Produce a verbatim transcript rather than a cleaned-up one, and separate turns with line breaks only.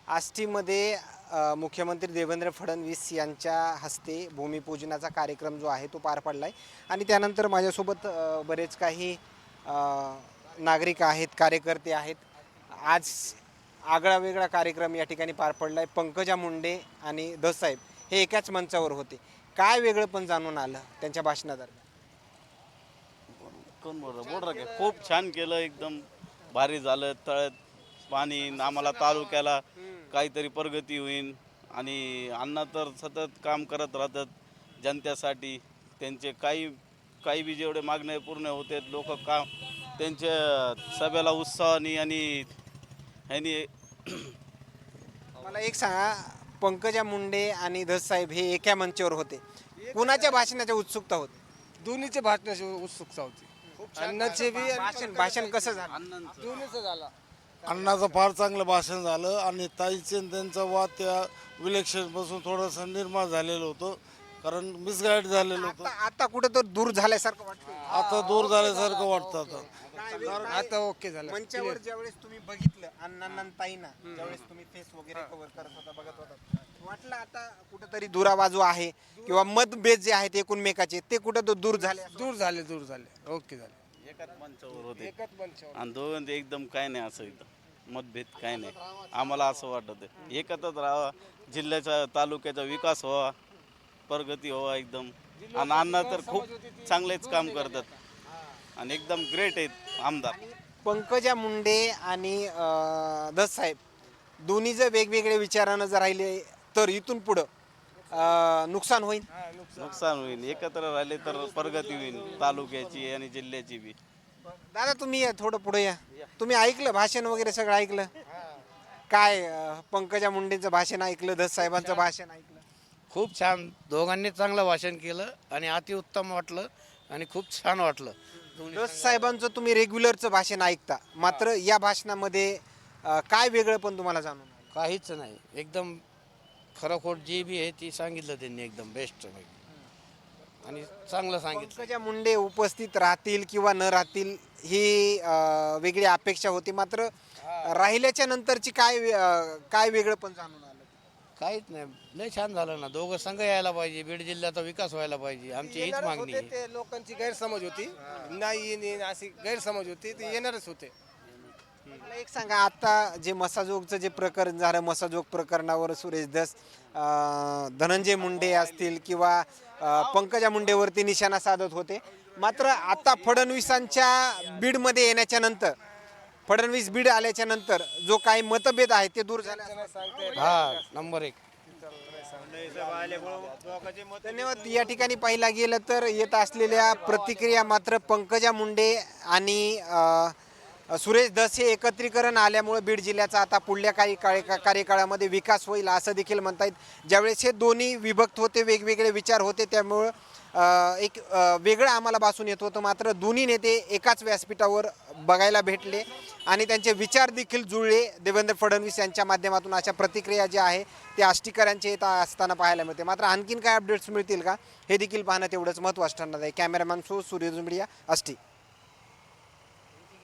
आष्टीमध्ये अ, मुख्यमंत्री देवेंद्र फडणवीस यांच्या हस्ते भूमिपूजनाचा कार्यक्रम जो आहे तो पार पडला आहे आणि त्यानंतर माझ्यासोबत अ, बरेच काही अ, नागरिक आहेत, कार्यकर्ते आहेत. आज आगळा वेगळा कार्यक्रम या ठिकाणी पार पडला आहे. पंकजा मुंडे आणि दसाहेब हे एकाच मंचावर होते. काय वेगळं पण जाणून आलं त्यांच्या भाषणादरम्यान?
कोण बोल बोल रे खूप छान केलं, एकदम भारी झालं. तळ्यात पाणी, आम्हाला तालुक्याला काहीतरी प्रगती होईल. आणि अण्णा तर सतत काम करत राहतात जनतेसाठी. त्यांचे काही काही बी जेवढे मागणे पूर्ण होते, लोक काम त्यांच्या सभेला उत्साहाने आणि ह्यानी.
मला एक सांगा, पंकजा मुंडे आणि दसाहेब हे एका मंचावर होते. कुणाच्या भाषणाच्या उत्सुकता होती?
दोन्हीचे भाषणाची उत्सुकता होती. अण्णाचे बी आणि
भाषण भाषण कसं झालं?
अण्णांचं
दोन्हीचं झाला.
अण्णाचं फार चांगलं भाषण झालं आणि ताईचे आणि त्यांचा वाद त्या विलक्षणपासून थोडंसं निर्माण झालेलं होतं, कारण मिसगाईड झालेलं होतं.
आता आता कुठं तर दूर झाल्यासारखं वाटतं.
आता दूर झाल्यासारखं वाटतं. आता
आता ओके झालं.
मंचावर ज्यावेळेस तुम्ही बघितलं अण्णांना आणि ताईंना, ज्यावेळेस तुम्ही फेस वगैरे कव्हर करत होता, बघत होता, वाटलं आता कुठंतरी दुराबाजू आहे किंवा मतभेद जे आहेत एकूणमेकाचे ते कुठं तर दूर झाले असं?
दूर झाले दूर झाले ओके झाले.
एकाच मंचावर होते
एकच मंचावर.
आणि दोघांचे एकदम काय नाही, असं एकदम मतभेद काय नाही. आम्हाला असं वाटत आहे एकत्रच राहावा, जिल्ह्याचा तालुक्याचा विकास व्हावा, प्रगती व्हावा एकदम. आणि अण्णा तर खूप चांगलेच काम करतात आणि एकदम ग्रेट आहेत आमदार.
पंकजा मुंडे आणि अं, दसाहेब दोन्ही जर वेगवेगळे विचारानं जर राहिले तर इथून पुढं अं, नुकसान होईल.
नुकसान होईल. एकत्र राहिले तर प्रगती होईल तालुक्याची आणि जिल्ह्याची बी.
दादा तुम्ही या थोडं पुढे या. तुम्ही ऐकलं भाषण वगैरे सगळं ऐकलं काय? अं, पंकजा मुंडेंचं भाषण ऐकलं, दसाहेबांचं भाषण ऐकलं?
खूप छान, दोघांनी चांगलं भाषण केलं आणि अतिउत्तम वाटलं आणि खूप छान वाटलं.
दसाहेबांचं तुम्ही रेग्युलरचं भाषण ऐकता, मात्र या भाषणामध्ये अं, काय वेगळं पण तुम्हाला जाणून आलं?
काहीच नाही, एकदम खरोखर जी बी आहे ती सांगितलं त्यांनी, एकदम बेस्ट आणि चांगलं सांगितलं.
पंकजा मुंडे उपस्थित राहतील किंवा न राहतील ही अं, वेगळी अपेक्षा होती, मात्र राहिल्याच्या नंतरची काय वे- अं, काय वेगळं पण जाणून आलं?
काहीच नाही, लय छान झालं ना. दोघं संघ यायला पाहिजे, बीड जिल्ह्याचा विकास व्हायला पाहिजे, आमची हीच
येणारच
मागणी
होते
आहे.
ते, लोकांची गैरसमज होती. नाही येणे अशी गैरसमज होती, ते येणारच होते.
मला एक सांगा, आता जे मसाजोगचं जे प्रकरण झालं, मसाजोग प्रकरणावर सुरेश धस, अं, धनंजय मुंडे असतील किंवा अं, पंकजा मुंडेवरती निशाणा साधत होते, मात्र आता फडणवीसांच्या बीडमध्ये येण्याच्या नंतर, फडणवीस बीड आल्याच्या नंतर जो काही मतभेद आहे ते दूर झाले असं?
हा, नंबर एक.
धन्यवाद. या ठिकाणी पाहिला गेलं तर येत असलेल्या प्रतिक्रिया मात्र पंकजा मुंडे आणि अ, सुरेश धस हे एकत्रीकरण आल्यामुळे बीड जिल्ह्याचा आता पुढल्या काही काळी कार्यकाळामध्ये विकास होईल असं देखील म्हणता येईल. ज्यावेळेस हे दोन्ही विभक्त होते, वेगवेगळे विचार होते, त्यामुळं अ, एक अ, वेगळं आम्हाला भासून येत होतं. मात्र दोन्ही नेते एकाच व्यासपीठावर बघायला भेटले आणि त्यांचे विचार देखील जुळले देवेंद्र फडणवीस यांच्या माध्यमातून. अशा प्रतिक्रिया ज्या आहे ते आष्टीकरांचे येत असताना पाहायला मिळते. मात्र आणखीन काय अपडेट्स मिळतील का हे देखील पाहणं तेवढंच महत्त्वाचं ठरणार आहे. Cameraman so Surya media, Ashti.